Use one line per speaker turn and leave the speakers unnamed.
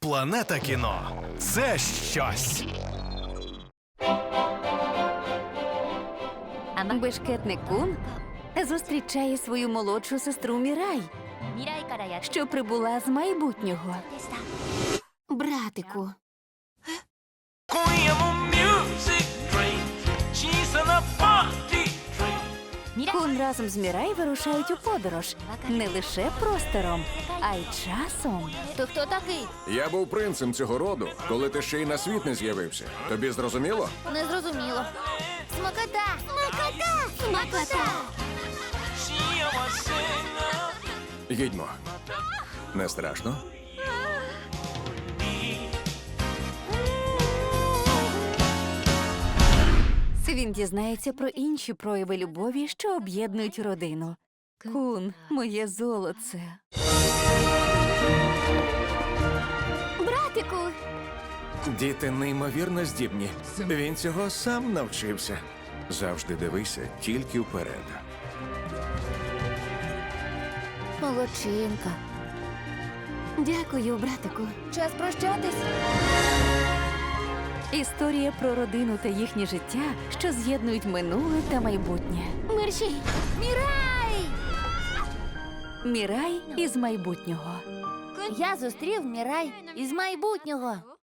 Планета кіно – це щось.
Бешкетник Кун зустрічає свою молодшу сестру Мірай, що прибула з майбутнього. Братику,
今夜もミュージックドリーム小さなパーティードリーム
Кун разом з Мірай вирушають у подорож не лише простором, а й часом.
То хто такий?
Я був принцем цього роду, коли ти ще й на світ не з'явився. Тобі зрозуміло?
Не зрозуміло. Смакота! Смакота! Смакота!
幸せな
Їдьмо. Не страшно?
Він дізнається про інші прояви любові, що об'єднують родину. Кун, моє золоце.
Братику!
Діти неймовірно здібні. Він цього сам навчився. Завжди дивися тільки вперед.
Молодчинка.
Дякую, братику.
Час прощатись.
Історія про родину та їхнє життя, що з'єднують минуле та майбутнє.
Мерші! Мірай!
Мірай із майбутнього.
Я зустрів Мірай із майбутнього.